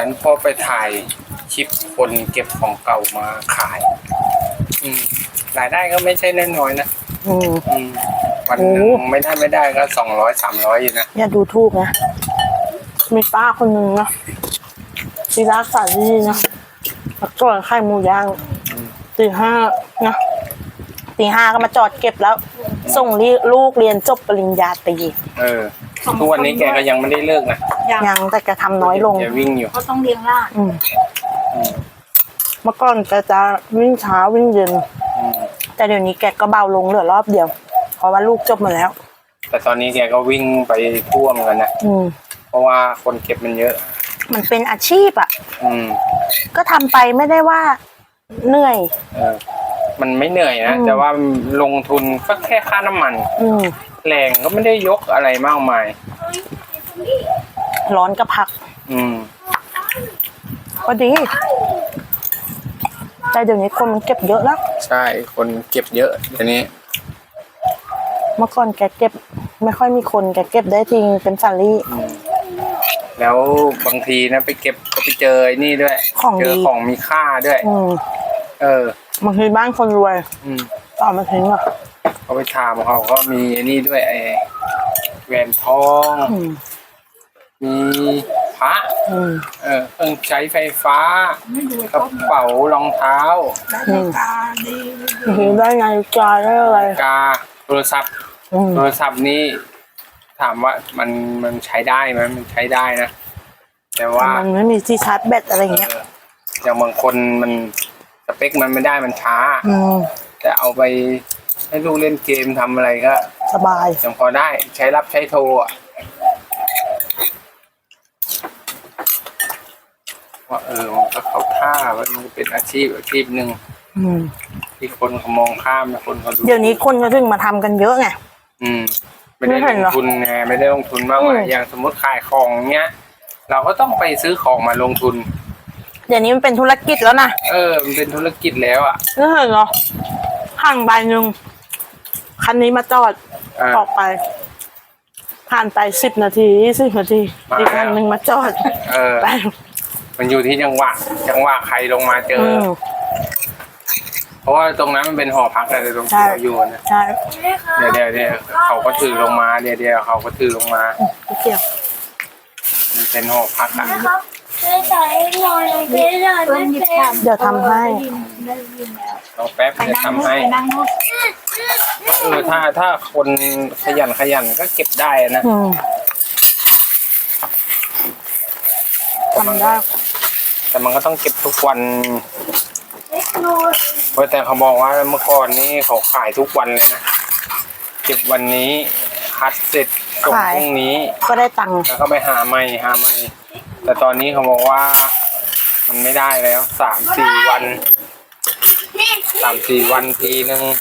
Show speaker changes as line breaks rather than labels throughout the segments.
นั้นพ่อไปถ่ายคลิปคนเก็บของเก่ามาขายรายได้ก็ไม่ใช่น้อยๆนะวันหนึ่งไม่ได้ก็200-300อยู่นะ
อย่าดูถูกนะมีป้าคนหนึ่งนะที่รักษาที่นะแล้วก็ไข่หมูย่างตี 5นะตี 5ก็มาจอดเก็บแล้ว ส่งลูกเรียนจบปริญญาตรี
ทุกวันนี้แกก็ยังไม่ได้เลิกนะ
ยังแต่แกทำน้อยลง
แกวิ่งอยู่
เขาต้องเลี้ยงล่า
เมื่อก่อนแกจะวิ่งเช้าวิ่งเย็นแต่เดี๋ยวนี้แกก็เบาลงเหลือรอบเดียวเพราะว่าลูกจบมาแล้ว
แต่ตอนนี้แกก็วิ่งไปทั่วเหมือนกันนะเพราะว่าคนเก็บมันเยอะ
มันเป็นอาชีพอ่ะก็ทำไปไม่ได้ว่าเหนื่อย
มันไม่เหนื่อยนะแต่ว่าลงทุนก็แค่ค่าน้ำมันแรงก็ไม่ได้ยกอะไรมากมาย
ร้อนก็พักก็ดีแต่เดี๋ยวนี้คนมันเก็บเยอะแล้ว
ใช่คนเก็บเยอะเดี๋ยวนี้
เมื่อก่อนแกเก็บไม่ค่อยมีคนแกเก็บได้จริงเป็นสาลี่
แล้วบางทีนะไปเก็บก็ไปเจอไอ้นี่ด้วยเจอของมีค่าด้วย
บางทีบ้านคนรวยต่อมาทิ้งอ่ะ
เขาไปถามเขาก็มีไอ้นี่ด้วยไอ้แหวนทองมีพระเครื่องใช้ไฟฟ้ากระเป๋ารองเท้า
ได้ไงกาได้อะไร
กาโทรศัพท์นี่ถามว่ามันใช้ได้ไหมมันใช้ได้นะแต่ว่า
มันไม่มีที่ชาร์จแบตอะไรอย่างเงี้ย
อย่างบางคนมันสเปคมันไม่ได้มันช้าแต่เอาไปให้ลูกเล่นเกมทำอะไรก็
สบาย
ยังพอได้ใช้รับใช้โทรว่ามันก็เข้าท่ามันเป็นอาชีพหนึ่งที่คนเขามองข้ามนะคนเขาดู
เดี๋ยวนี้คนก็ถึงมาทำกันเยอะไง
ไม่ได้ลงทุนไงไม่ได้ลงทุนมากมายอย่างสมมติขายของเงี้ยเราก็ต้องไปซื้อของมาลงทุน
เดี๋ยวนี้มันเป็นธุรกิจแล้วนะ
มันเป็นธุรกิจแล้วอ่ะ
ไม่เห็นเหรอห่างใบหนึ่งคันนี้มาจอดออกไปผ่านไป10 นาที20 นาทีอีกคันหนึ่งมาจอด
ไปมันอยู่ที่จังหวะใครลงมาเจอเพราะว่าตรงนั้นมันเป็นหอพักอะไรตรงที่เราอยู่นะ
ใช่
เดี๋ยวเขาก็ถือลงมาเดี๋ยวเขาก็ถือลงมา
เกี่ยว
มันเป็นหอพักอ่ะ
เดี๋ยวทำให้
เราแป๊บจะทำให้ถ้าคนขยันก็เก็บได้นะ
ทำได้
แต่มันก็ต้องเก็บทุกวันเพราะแต่เขาบอกว่าเมื่อก่อนนี้เขาขายทุกวันเลยนะเก็บวันนี้คัดเสร็จส่งพรุ่งนี้
ก็ได้ตังค์
แล้วก็ไปหาใหม่แต่ตอนนี้เขาบอกว่ามันไม่ได้แล้ว3-4 วันทีนึง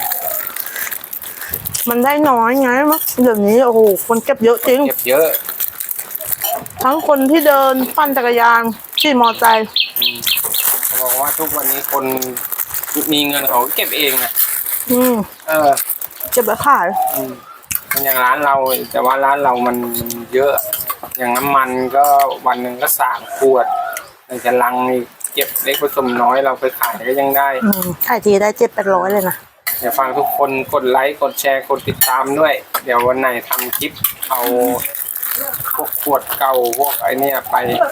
มันได้น้อยไงมั้งเดี๋ยวนี้โอ้โหคนเก็บเยอะจริง
เก็บเยอะ
ทั้งคนที่เดินปั่นจักรยานขี่มอเตอร์ไซค์
เขาบอกว่าทุกวันนี้คนมีเงินเขาเก็บเองนะ
เก็บไว้ขาย
อย่างร้านเราแต่ว่าร้านเรามันเยอะอย่างน้ำมันก็วันหนึ่งก็3 ขวดแต่จะลังเก็บเล็กผสมน้อยเราไปขายก็ยังได้
ขายทีได้700-800เลยนะ
เดี๋ยวฟังทุกคนกดไลค์กดแชร์กดติดตามด้วยเดี๋ยววันไหนทำคลิปเอาพวกขวดเก่าพวกไอ้นี่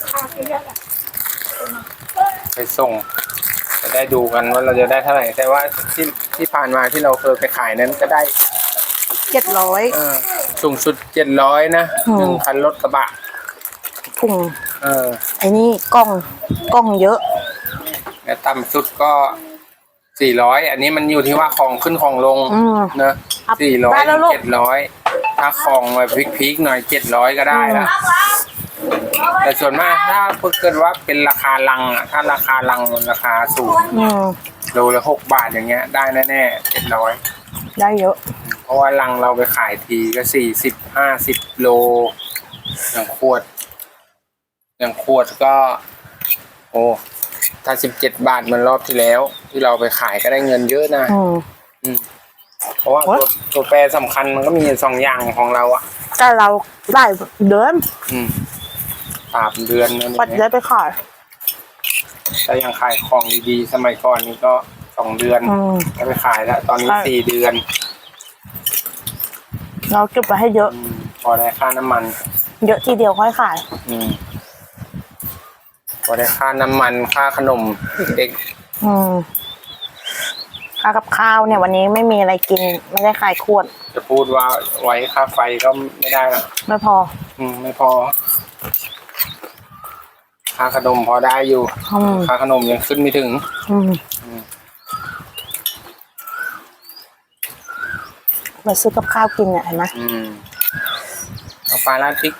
ไปส่งจะได้ดูกันว่าเราจะได้เท่าไหร่แต่ว่าที่ผ่านมาที่เราเคยไปขายนั้นก็ได้
700
สูงสุด700นะ1 คันรถกระบะ
ถุงไอ้นี่กล้องเยอะ
แล้วต่ำสุดก็400อันนี้มันอยู่ที่ว่าของขึ้นของลงนะ400-700ถ้าของแบบพีคๆหน่อย700ก็ได้ละแต่ส่วนมากถ้าเกิดว่าเป็นราคาลังอ่ะถ้าราคาลังมันราคาสูงโลละ6 บาทอย่างเงี้ยได้แน่ๆ700
ได้เยอะ
เพราะว่าลังเราไปขายทีก็40-50 โลอย่างขวดก็โอ้ถ้า17 บาทมันรอบที่แล้วที่เราไปขายก็ได้เงินเยอะนะเพราะว่าตัวแปรสำคัญมันก็มี2 อย่างของเราอ่ะ
แต่เราได้เดิม
3 เดือนนั่น
ปัด
เอง
ได้ไปขาย
ถ้ายังขายของดีๆสมัยก่อนนี่ก็2 เดือน
อืม
ได้ไปขายแล้ว ตอนนี้
ใช่
4 เดือน
เราเก็บไว้ให้เยอะ
พอได้ค่าน้ำมัน
เยอะทีเดียวค่อยขาย
พอได้ค่าน้ำมันค่าขนมเด็ก
อืมค่ากับข้าวเนี่ยวันนี้ไม่มีอะไรกิน ไม่ได้ขายขวด
จะพูดว่าไว้ค่าไฟก็ไม่ได้ละ
ไม่พอ
ไม่พอ ค่าขนมพอได้อยู่
อืม
ค่าขนมยังขึ้นไม่ถึง
อืมมาซื้อกับข้าวกินเนี่ยเห็นไหม
เอาปลาราดพริก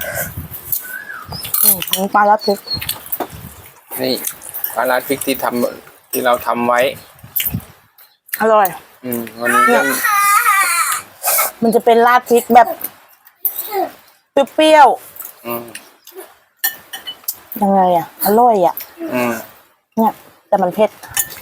น้ำปลาแล้วพริก
นี่ปลาราดพริกที่เราทำไว้
อร่อย
วันนี้
เนี่ย มันจะเป็นราดพริกแบบเปรี้ยว
อืม
ๆยังไงอ่ะ อร่อยอ่ะ เนี่ย แต่มันเผ็ด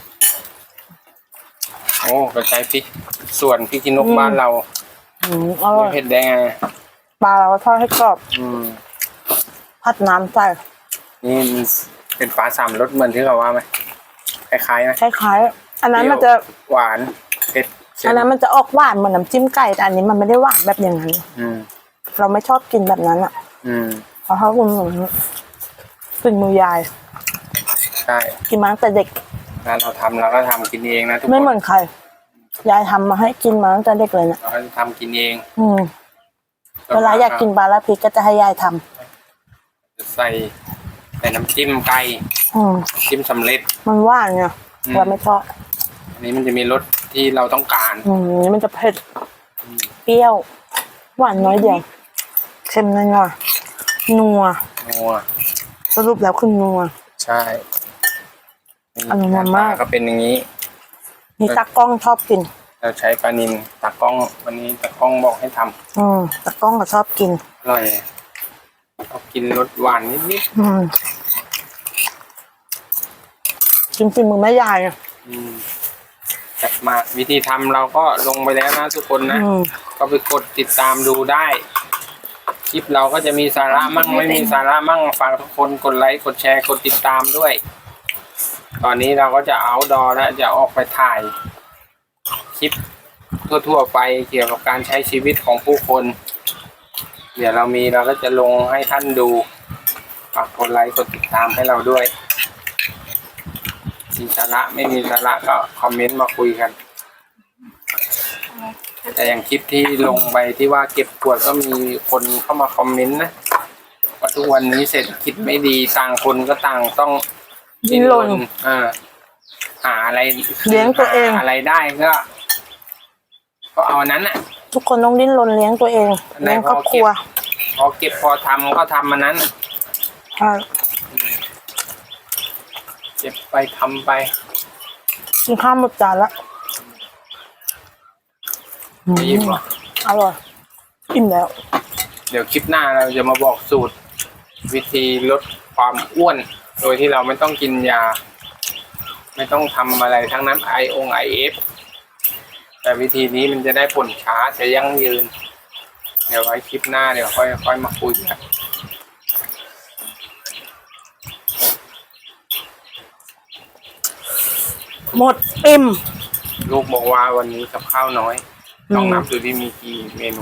โอ้กระจายพริก ส่วนพริกขี้นกบ้านเรา
อร่
ไม่
อย
เผ็ดได้ไง
ปลาเราก็ทอดให้กรอบ พัดน้ำใส่
นี่มันเป็นปลา3 รสเหมือนที่เราว่าไหมคล้ายๆไหม
คล้ายๆอันนั้นมันจะ
หวานเผ็ดเค็
อัน
ม
นั้นมันจะออกหวานเหมือนน้ำจิ้มไก่แต่อันนี้มันไม่ได้หวานแบบอย่างนั้น เราไม่ชอบกินแบบนั้นอ่ะ เพราะเขาคุณเป็นมือยาย
ใช่
กินมาตั้งแต่เด็ก
งานเราทำเราก็ทำกินเองนะทุกคน
ไม่เหมือนใคร ยายทำมาให้กินมาตั้งแต่เด็กเลยเนี่ย
เราก็จะทำกินเอง
เวลาอยากกินปลาละพริกก็จะให้ยายทำ
จะใส่น้ำจิ้มไก่ น้ำจิ้มสำเร็จ
มันหวานไงเราไม่ชอบ
อันนี้มันจะมีรสที่เราต้องการ
นี่มันจะเผ็ดเปรี้ยว หวานน้อยเดียวเค็มน้อยๆนัว
นัว
สรุปแล้วคือนัว
ใช่
อร่อยมาก
ก็เป็นอย่างนี้
นี่ตากล้องชอบกิน
เราใช้ปลานิลตากล้องวันนี้ตากล้องบอกให้ทำ
ตากล้องก็ชอบกิน
อร่อยชอบกินรสหวานนิด
กินฝีมือแม่ยายอ่ะ
ๆจัดมากวิธีทำเราก็ลงไปแล้วนะทุกคนนะ ก็ไปกดติดตามดูได้ คลิปเราก็จะมีสาระมั่งไม่มีสาระมั่งฝากทุกคนกดไลค์กดแชร์กดติดตามด้วย ตอนนี้เราก็จะเอาดอแล้วจะออกไปถ่ายคลิปทั่วๆไปเกี่ยวกับการใช้ชีวิตของผู้คน เดี๋ยวเราก็จะลงให้ท่านดูฝากกดไลค์กดติดตามให้เราด้วยมีสาระไม่มีสาระก็คอมเมนต์มาคุยกัน แต่อย่างคลิปที่ลงไปที่ว่าเก็บขวดก็มีคนเข้ามาคอมเมนต์นะว่าทุกวันนี้เศรษฐกิจไม่ดีต่างคนก็ต่างต้อง
ดิ้นรน
หาอะไร
เลี้ยงตัวเอง
หาอะไรได้ก็เอาอันนั้นน่ะ
ทุกคนต้องดิ้นรนเลี้ยงตัวเองเลี้ยงครอบครัว
พอเก็บพอทำก็ทำอันนั้น
ใช่
เก็บไปทำไป
กินข้าวหมดจานละ
ไม่ยิ้มหรอ
อร่อยอิ่มแล้ว
เดี๋ยวคลิปหน้าเราจะมาบอกสูตร วิธีลดความอ้วน โดยที่เราไม่ต้องกินยา ไม่ต้องทำอะไรทั้งนั้นIF แต่วิธีนี้มันจะได้ผลช้าจะยั่งยืน เดี๋ยวไว้คลิปหน้าเดี๋ยวค่อยมาคุยกัน
หมดอิ่ม
ลูกบอกว่าวันนี้กับข้าวน้อยต้องนับดูที่มีกี่เมนู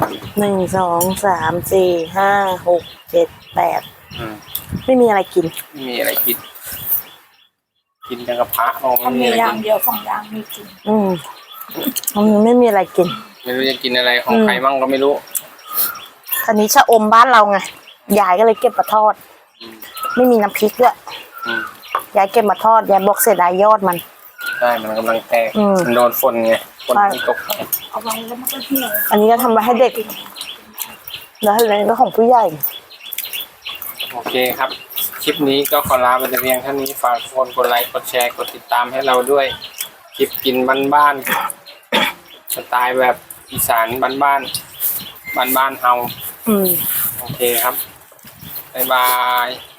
1 2 3 4 5 6 7 8ไม่มีอะไรกิน
ไม่มีอะไรกิน กินแต่กับพระมอง
ถ้า
ไม่มี
มี
อะไร
อย่า
กิ
ง
น
เดียว2 อย่างมีกิน
มันไม่มีอะไรกิน
ไม่รู้จะกินอะไรของใครมั่งก็ไม่รู้
อันนี้ชะอมบ้านเราไงยายก็เลยเก็บมาทอด ไม่มีน้ำพริกด้วย
อืม
ยายเก็บมาทอดยายบอกเสียดายยอดมัน
ใช่มันกำลังแตก
อืม
มันโดนฝนไงฝน
ใช่
มันตก
เอาไว้แล้วมันก็เหี่ยว
อันนี้ก็ทำไว้ให้เด็ก แล้วอันนี้ก็ของผู้ใหญ่
โอเคครับ คลิปนี้ก็ขอลาไปแต่เพียงเท่านี้ฝากทุกคนกดไลค์กดแชร์กดติดตามให้เราด้วย คลิปกินบ้านๆสไตล์แบบอีสานบ้านๆเฮา
อืม
โอเคครับบ๊ายบาย